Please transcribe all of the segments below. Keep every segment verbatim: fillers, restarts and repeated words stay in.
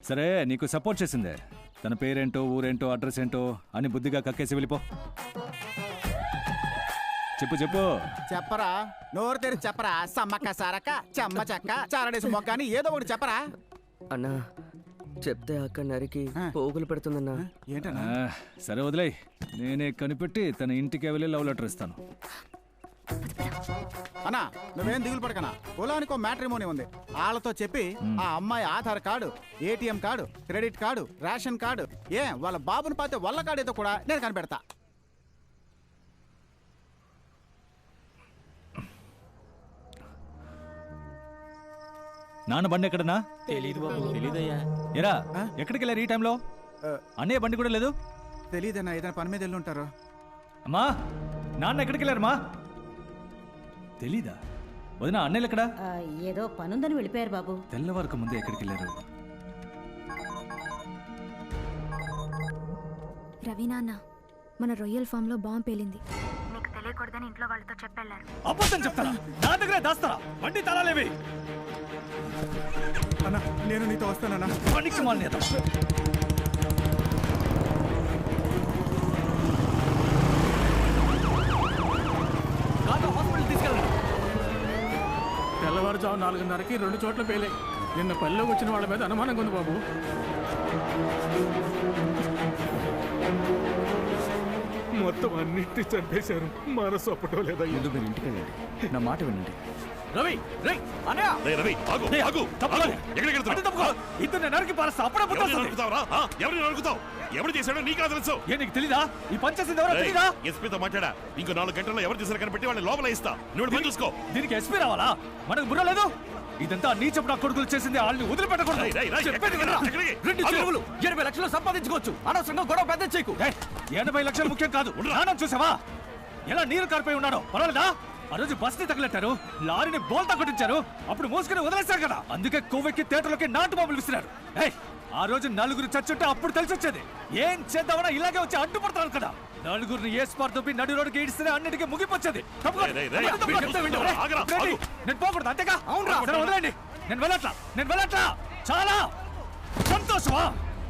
సరే నీకు సపోర్ట్ చేసిందే, తన పేరేంటో ఊరేంటో అడ్రస్ ఏంటో అని బుద్ధిగా కక్కేసి వెళ్ళిపో. చెప్పు చెప్పు. చెప్పరా, నోరు తెరి చెప్పరా. సమ్మక్క సారక్క చెమ్మ చెక్క చారడేసి మొక్క అని ఏదో ఒకటి చెప్పరా. అన్నా చెప్తే అక్క నరికి పోగులు పెడుతుందన్నా. ఏంటన్నా? సరే వదిలేయ్, నేనే కనిపెట్టి తన ఇంటికి వెళ్ళి లవ్ లెటర్ ఇస్తాను. అన్నా నువ్వేం దిగులు పడకనా, పొలానికి ఒక మ్యాట్రిమోనీ ఉంది, వాళ్ళతో చెప్పి ఆ అమ్మాయి Aadhaar card, ATM card, credit card, ration card, ఏ వాళ్ళ బాబుని పాతే వల్ల కార్డు కూడా నేను కనిపెడతా. నాన్న బండి ఎక్కడనా? తెలీదు బాబు. తెలీదయ్యా. ఎరా ఎక్కడికి వెళ్ళారు ఈ టైంలో? అన్నయ్య బండి కూడా లేదు. తెలీదన్నా, ఏదైనా పని మీద వెళ్ళి ఉంటారు. అమ్మా నాన్న ఎక్కడికి వెళ్ళారమ్మా? తెలీదా? వదినా అన్నయ్యలు ఎక్కడా? ఏదో పనుందని వెళ్ళిపోయారు బాబు. తెల్లవారుకు ముందే ఎక్కడికి వెళ్ళారు? రవి నాన్న, మన రొయ్యల్ ఫామ్ లో బాంబు పేలింది, నీకు తెలియకూడదని ఇంట్లో వాళ్ళతో చెప్పెళ్ళారు. అబద్ధం చెప్తారా? నా దగ్గరే దాస్తారా? బండి తాళాలేవి? అన్నా నేను నీతో వస్తానన్నా. పనికి మానేత తెల్లవారుజాము నాలుగున్నరకి రెండు చోట్ల పేలే. నిన్న పల్లెలోకి వచ్చిన వాళ్ళ మీద అనుమానంగా ఉంది బాబు. మొత్తం అన్నింటినీ చంపేశారు. మనసు అప్పటో లేదా? ముందు మీరు ఇంటికి వెళ్ళండి, నా మాట వినండి. రవి రై అన్నయ్య రే రవి ఆగు ఆగు తప్పదు. ఎక్కడికి వెళ్తున్నావు? తప్పుకో. ఇద్దరు నరికి పారస్తా. అప్పుడే పుట్టొస్తుంది. నరుకుతావరా? ఎవరిని నరుకుతావు? ఎవరు చేశాడో నీకు తెలుసు. ఏ నీకు తెలీదా? ఈ పంచేసింది ఎవరో తెలీదా? ఎస్పీతో మాట్లాడా. ఇంకో నాలుగు గంటల్లో ఎవరు చేశారు కనిపెట్టి వాళ్ళని లోపల ఇస్తా. నువ్వు పని చూసుకో. దీనికి ఎస్పీ రావాలా? మనకు బుర్ర లేదు. ఇదంతా నీచపు నా కొడుకులు చేసింది. వాళ్ళని వదిలిపెట్టకూడదు. రెండు చెరువులు ఎనభై లక్షలు సంపాదించుకోవచ్చు. అనవసరంగా గొడవ పెద్ద చేయకు. ఎనభై లక్షలు ముఖ్యం కాదు. నాన్న చూసావా ఎలా నీరు కారిపోయి ఉన్నాడో? పర్వాలేదా? ఆ రోజు బస్ ని తగలెట్టారు, లారీని బోల్తా కొట్టించారు, అప్పుడు మోసుకుని వదిలేశారు కదా. అందుకే కొవ్వెక్కి థియేటర్లోకి నాటు బాంబులు విసిరారు. ఆ రోజు నలుగురు చచ్చుంటే అప్పుడు తెలిసి వచ్చేది. ఏం చేద్దామన్నా ఇలాగే వచ్చి అడ్డుపడతారు కదా. నలుగురిని ఏ స్పార్ తోపి నడి రోడ్డుకి ఈడిస్తే అన్నిటికీ ముగిపొచ్చేది. నేను పోకూడదు అంతేగా? అవును వదిలేండి. నేను వెళ్ళట్లా నేను వెళ్ళట్లా చాలా సంతోషమా?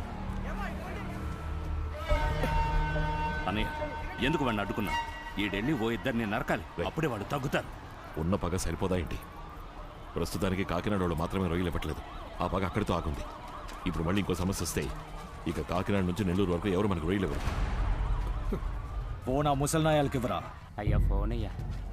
అన్నయ్య ఎందుకు వాడిని అడ్డుకున్నా? ఈడెళ్ళి ఓ ఇద్దరిని నరకాలి, అప్పుడే వాళ్ళు తగ్గుతారు. ఉన్న పగ సరిపోదా ఏంటి? ప్రస్తుతానికి కాకినాడ వాళ్ళు మాత్రమే రొయ్యలు ఇవ్వట్లేదు. ఆ పగ అక్కడితో ఆగుంది. ఇప్పుడు మళ్ళీ ఇంకో సమస్య వస్తే ఇక కాకినాడ నుంచి నెల్లూరు వరకు ఎవరు మనకు రొయ్యలు ఇవ్వరు. ఫోన్ ఆ ముసల్నాయాలకి ఇవ్వరా? అయ్యా ఫోన్ అయ్యా.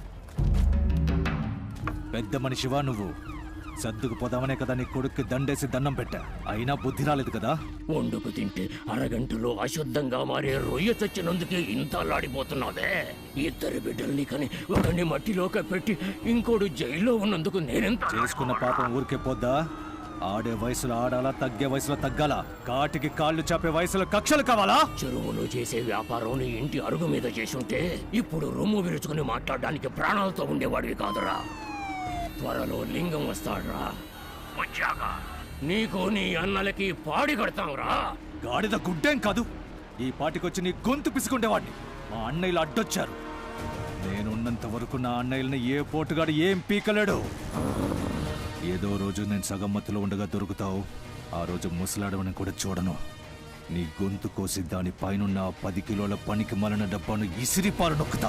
పెద్ద మనిషివా నువ్వు? సర్దుకు పోదామనే కదా నీ కొడుక్కి దండేసి దండం పెట్టా, అయినా బుద్ధి రాలేదు కదా. వండుకు తింటే అరగంటలో అశుద్ధంగా మారే రొయ్య చచ్చినందుకే ఇంత అల్లాడిపోతున్నావే. ఇద్దరు బిడ్డల్ని కని ఒకరిని మట్టిలోకి పెట్టి ఇంకోడు జైల్లో ఉన్నందుకు నేనెంత చేసుకున్న పాపం ఊరికే పోద్దా? ఆడే వయసులో ఆడాలా, తగ్గే వయసులో తగ్గాలా? కాటికి కాళ్ళు చాపే వయసులో కక్షలు కావాలా? చెరువులో చేసే వ్యాపారం ఇంటి అరుగు మీద చేసుంటే ఇప్పుడు రొమ్ము విరుచుకుని మాట్లాడడానికి ప్రాణాలతో ఉండేవాడివి కాదురా. త్వరలో లింగం వస్తాడ్రా. వచ్చాక నీకు నీ అన్నలకి పాడి కడతాంరా. గాడిద గుడ్డేం కాదు, ఈ పాటికొచ్చి నీ గొంతు పిసుకుండేవాడిని. మా అన్నయ్యలు అడ్డొచ్చారు. నేనున్నంత వరకు నా అన్నయ్యల్ని ఏ పోటుగాడు ఏం పీకలేడు. ఏదో రోజు నేను సగం మత్తులో ఉండగా దొరుకుతావు, ఆ రోజు ముసలాడవని కూడా చూడను. నీ గొంతు కోసి దాని పైనున్న పది కిలోల పనికి మలన డబ్బాను ఇసిరి పాలు నొక్కుతా.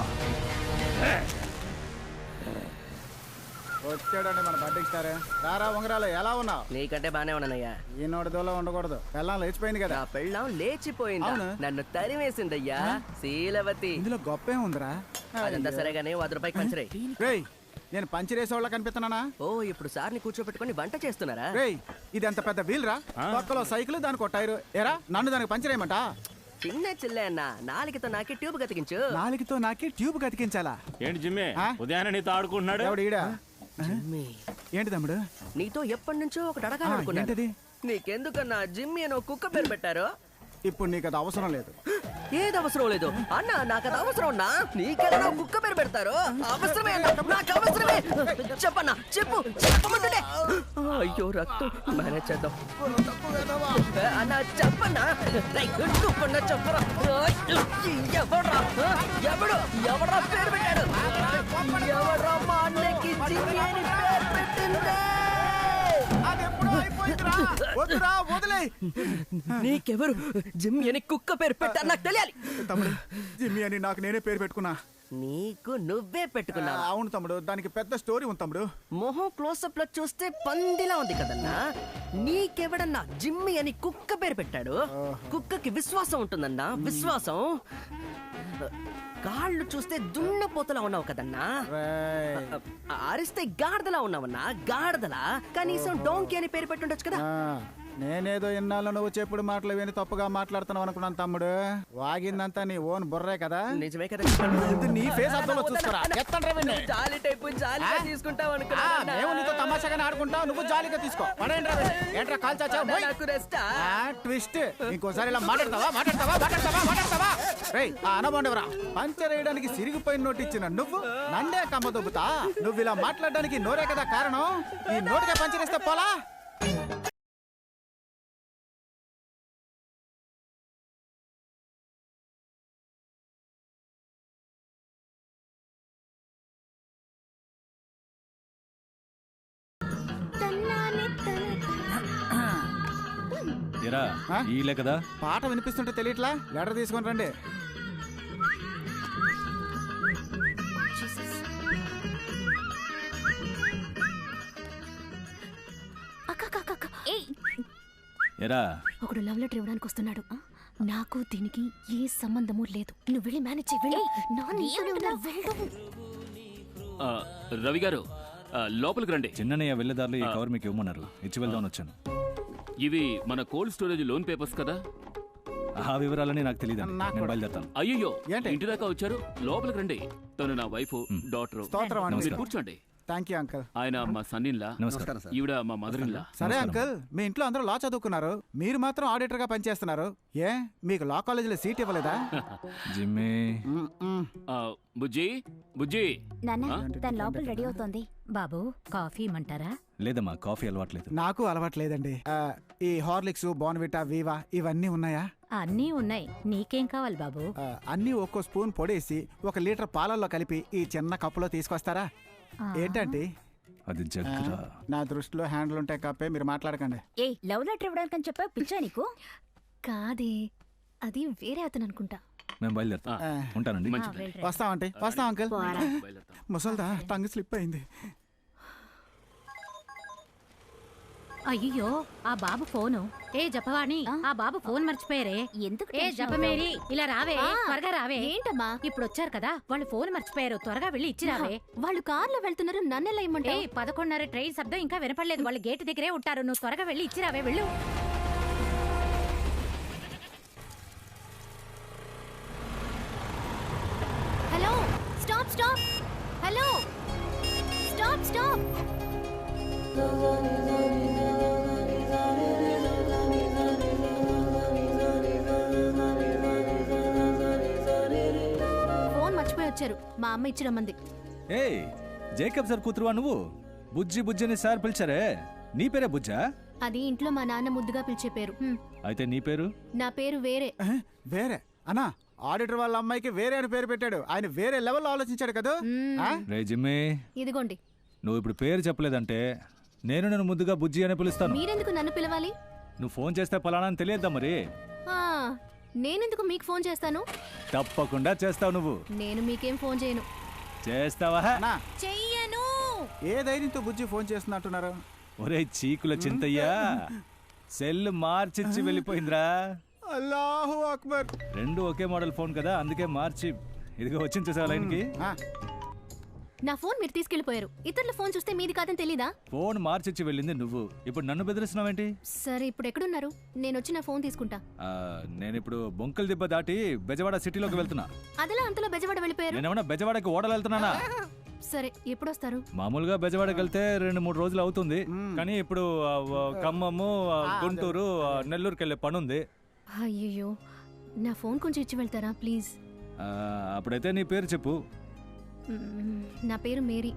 వచ్చాడండి మన బడ్డీకి సారే. రారా ఉంగరాలు, ఎలా ఉన్నావు? నీకంటే బానే ఉన్నానయ్యా. ఈ నోటి దూలో ఉండకూడదు. పెళ్ళం లేచిపోయింది కదా. పెళ్ళం లేచిపోయింది, నన్ను తరిమేసిందయ్యా శీలవతి. ఇందులో గొప్ప ఏముందిరా? అదంతా సరేగానే వంద రూపాయకి పంచరే. నేను పంచిరేసేవాళ్ళ కనిపిస్తున్నానా? ఓ ఇప్పుడు సార్ని కూర్చోపెట్టుకుని వంట చేస్తున్నారా? రేయ్ ఇది ఎంత పెద్ద వీల్ రా, పక్కలో సైకిల్ దానికి కొట్టారు. ఎరా నన్ను దానికి పంచరేయమంట? చిన్న చిల్లే అన్న, నాలుగుతో నాకే ట్యూబ్ కతికించు. నాలుగుతో నాకే ట్యూబ్ కతికించాలా? ఏంటి జిమ్మే ఉదయాన్నే నీతో ఆడుకుంటున్నాడు? ఎవడు ఈడా? ఏంటి తమ్ముడు? నీతో ఎప్పటి నుంచో ఒకటి అడగాలనుకున్నాడు. నీకెందుకన్నా జిమ్మి అని కుక్క పేరు పెట్టారు? ఇప్పుడు నీకు అది అవసరం లేదు. ఏది అవసరం లేదు అన్న, నాకు అది అవసరం ఉన్నా. నీకేదైనా కుక్క పేరు పెడతారు? అవసరమే అన్న, నాకు అవసరమే. చెప్పన్నా చెప్పు, చెప్పమంటుండే. అయ్యో రక్తం, మేనేజ్ చేద్దాం అన్న. చెప్పన్నా చెప్పన్నా చెప్పరా. ఎవడ్రా ఎవడు ఎవడ్రా పేరు పెట్టాడు? ఎవడ్రా మా అన్నకి జిమ్మి అని పేరు పెట్టిందే? అదెప్పుడో అయిపోయిందిరా. వద్దురా, వదిలేయ్. నీకెవరు జిమ్ అని కుక్క పేరు పెట్టా నాకు తెలియాలి. తమ్ముడు, జిమ్మి అని నాకు నేనే పేరు పెట్టుకున్నా. నీకు నువ్వే పెట్టుకున్నావా? అవును తమ్ముడు, దానికి పెద్ద స్టోరీ ఉంది తమ్ముడు. మొహం క్లోజప్ లో చూస్తే పందిలా ఉంది కదన్నా. నీకెవడన్నా జిమ్మి అని కుక్క పేరు పెట్టాడు? కుక్కకి విశ్వాసం ఉంటుందన్నా, విశ్వాసం. కాళ్ళు చూస్తే దున్నపోతలా ఉన్నావు కదన్నా. అరిస్తే గాడిదలా ఉన్నావన్నా, గాడిదలా. కనీసం డోంకి అని పేరు పెట్టుండొచ్చు కదా. నేనేదో ఇన్నాళ్ళు నువ్వు చెప్పుడు మాటలు విని తప్పుగా మాట్లాడుతున్నావు అనుకున్నాను తమ్ముడు. వాగిందంతా నీ ఓన్ బుర్రే కదా. నిజమే కదా. నీ ఫేస్ అద్దంలో చూసుకోరా. ఎత్తండ్రా వీణ్ణి. జాలి టైపు జాలిగా తీసుకుంటావు అనుకున్నా. మేము నీతో తమాషాగానే ఆడుకుంటావు, నువ్వు జాలిగా తీసుకో. పడేంట్రా వీణ్ణి. ఏంట్రా కాల్ చాచావు? నాకు రెస్టా? ట్విస్ట్. ఇంకోసారి ఇలా మాట్లాడతావా మాట్లాడతావా మాట్లాడతావా మాట్లాడతావా రేయ్, ఆ అనబండవరా. పంచర్ వేయడానికి సిరిగిపోయిన నోటు ఇచ్చిన నువ్వు నన్నే కమ్మ దొబ్బుతా. నువ్వు ఇలా మాట్లాడడానికి నోరే కదా కారణం. ఈ నోటికే పంచర్ ఇస్తే పోలా. ఈలే కదా పాట వినిపిస్తుంటే తెలియట్లా. లెటర్ తీసుకొని రండి. ఎరా ఒకడు లవ్ లెటర్ ఇవ్వడానికి వస్తున్నాడు. నాకు దీనికి ఏ సంబంధము లేదు. నువ్వు వెళ్ళి మేనేజ్ చెయ్యి. రవి గారు లోపలికి రండి. చిన్నయ్య వెళ్ళేదారులు ఈ కవర్ మీకు ఇవ్వమన్నారు, ఇచ్చి వెళ్దామని వచ్చాను. ఇవి మన కోల్డ్ స్టోరేజ్ లోన్ పేపర్స్ కదా? ఆ వివరాలని నాకు తెలియదు, నేను బయలుదేరుతాను. అయ్యో, ఇంటి దాకా వచ్చారు, లోపలికి రండి. తను నా వైఫ్, డాటర్. మీరు కూర్చోండి. Thank you uncle. ఆయన మా సన్ ఇన్ లా, ఈవిడ మా మదర్ ఇన్ లా. సరే అంకల్, మీ ఇంట్లో అందరూ లా చదువుకున్నారు, మీరు మాత్రం ఆడిటర్ గా పనిచేస్తున్నారు. ఏ మీకు లా కాలేజీలో సీట్ ఇవ్వలేదా? జిమ్మే. బుజ్జి బుజ్జి తన లోపల రెడీ అవుతోంది. బాబు కాఫీ ఇమ్మంటారా? లేదమ్మా, కాఫీ అలవాట్లేదు. నాకు అలవాట్లేదండి. ఈ హార్లిక్స్, బోర్న్విటా, వీవా ఇవన్నీ ఉన్నాయా? అన్నీ ఉన్నాయి. నీకేం కావాలి బాబు? అన్నీ ఒక్కో స్పూన్ పొడేసి ఒక లీటర్ పాలల్లో కలిపి ఈ చిన్న కప్పులో తీసుకొస్తారా? ఏంటంటే అది జగ్గురా. నా దృష్టిలో హ్యాండిల్ ఉంటే కప్పే, మీరు మాట్లాడకండి. ఏ లవ్ లెటర్ ఇవ్వడానికి చెప్పా పిచ్చా నీకు? కాదే, అది వేరే అతను అనుకుంటా. మేము బయలుదేరుతాం. ఉంటానండి. వస్తామంటే వస్తాం అంకల్. ముసల్దా టంగ్ స్లిప్ అయింది. అయ్యో, ఆ బాబు ఫోను. ఏ జపవాణి, ఆ బాబు ఫోన్ మర్చిపోయారే. ఎందుకు? ఏ జపమేరి, ఇలా రావే, త్వరగా రావే. ఏంటమ్మా? ఇప్పుడు వచ్చారు కదా, వాళ్ళు ఫోన్ మర్చిపోయారు, త్వరగా వెళ్ళి ఇచ్చి రావే. వాళ్ళు కార్లో వెళ్తున్నారు, నన్నెలా ఇమ్మంటే? పదకొండున్నర ట్రైన్ శబ్దం ఇంకా వినపడలేదు, వాళ్ళు గేట్ దగ్గరే ఉంటారు. నువ్వు త్వరగా వెళ్ళి ఇచ్చి రావే, వెళ్ళు. Hello, stop stop. Hello, stop stop. Phone మర్చిపోయి వచ్చారు, మా అమ్మ ఇచ్చి రమ్మంది. ఏ జేకబ్ సార్ కూతురువా నువ్వు? బుజ్జి బుజ్జి అని సార్ పిలిచారే, నీ పేరే బుజ్జా? అది ఇంట్లో మా నాన్న ముద్దుగా పిలిచే పేరు. అయితే నీ పేరు? నా పేరు వేరే. వేరే అన్నా? ఆడిటర్ వాళ్ళ అమ్మాయికి వేరే అని పేరు పెట్టాడు. ఆయన వేరే లెవెల్లో ఆలోచించాడు కదా. రే జిమ్మి, ఇదిగోండి. నువ్వు ఇప్పుడు పేరు చెప్పలేదంటే నేను నన్ను ముద్దుగా బుజ్జి అని పిలుస్తాను. మీరెందుకు నన్ను పిలవాలి? నువ్వు ఫోన్ చేస్తే పలానా అని తెలియద్దా మరి? నేనెందుకు మీకు ఫోన్ చేస్తాను? తప్పకుండా చేస్తావు. నువ్వు? నేను మీకేం ఫోన్ చేయను. చేస్తావా? చెయ్యను. ఏ ధైర్యంతో బుజ్జి ఫోన్ చేస్తున్నట్టున్నారు? ఒరే చీకుల చింతయ్యా, సెల్ మార్చిచ్చి వెళ్ళిపోయిందిరా. అల్లాహు అక్బర్. రెండు ఒకే మోడల్ ఫోన్ కదా, అందుకే మార్చి ఇదిగో వచ్చింది చూసావా లైన్కి. నా ఫోన్ మీరు తీసుకెళ్లిపోయారు. ఇతరుల ఫోన్ చూస్తే మీది కాదని తెలీదా? ఫోన్ మార్చిచ్చి వెళ్ళింది నువ్వు, ఇప్పుడు నన్ను బెదిరిస్తున్నావేంటి? సరే, ఇప్పుడు ఎక్కడున్నారు? నేను వచ్చి నా ఫోన్ తీసుకుంటా. నేను ఇప్పుడు బొంకల్ దిబ్బ దాటి బెజవాడ సిటీలోకి వెళ్తున్నా. అదలా అంతలో బెజవాడ వెళ్ళిపోయారు? నేనేమన్నా బెజవాడకి ఓడలు వెళ్తున్నానా? సరే, ఎప్పుడు వస్తారు? మామూలుగా బెజవాడకి వెళ్తే రెండు మూడు రోజులు అవుతుంది, కానీ ఇప్పుడు ఖమ్మము, గుంటూరు, నెల్లూరుకి వెళ్ళే పని ఉంది. అయ్యో, నా ఫోన్ కొంచెం ఇచ్చి వెళ్తారా ప్లీజ్? అప్పుడైతే నీ పేరు చెప్పు. నా పేరు మేరీ.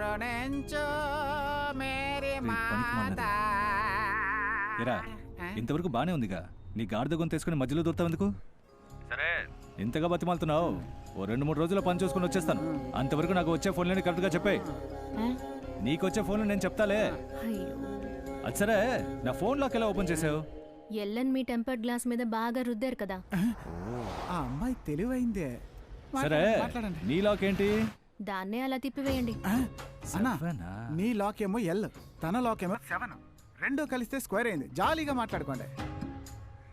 ఎరా, ఇంతవరకు బానే ఉందిగా, నీ గాడిద గొంతు తీసుకుని మధ్యలో దూరుతావు ఎందుకు? సరే, ఇంతగా బతిమాలుతున్నావు, ఓ రెండు మూడు రోజుల్లో పని చూసుకుని వచ్చేస్తాను. అంతవరకు నాకు వచ్చే ఫోన్లని కరెక్ట్గా చెప్పే. నీకు వచ్చే ఫోన్లు నేను చెప్తాలే. అది సరే నా ఫోన్ లాక్ ఎలా ఓపెన్ చేసావు? ఎల్లన్ మీ టెంపర్డ్ గ్లాస్ మీద బాగా రుద్దారు కదా. ఆ అమ్మాయి తెలివైందే. సరే మాట్లాడండి. నీ లాక్ ఏంటి? దాన్నే అలా తిప్పివేయండి. అన్నా నీ లాక్ ఏమో ఎల్, తన లాక్ ఏమో సెవెన్. రెండు కలిస్తే స్క్వేర్ అయింది. జాలీగా మాట్లాడుకోండి.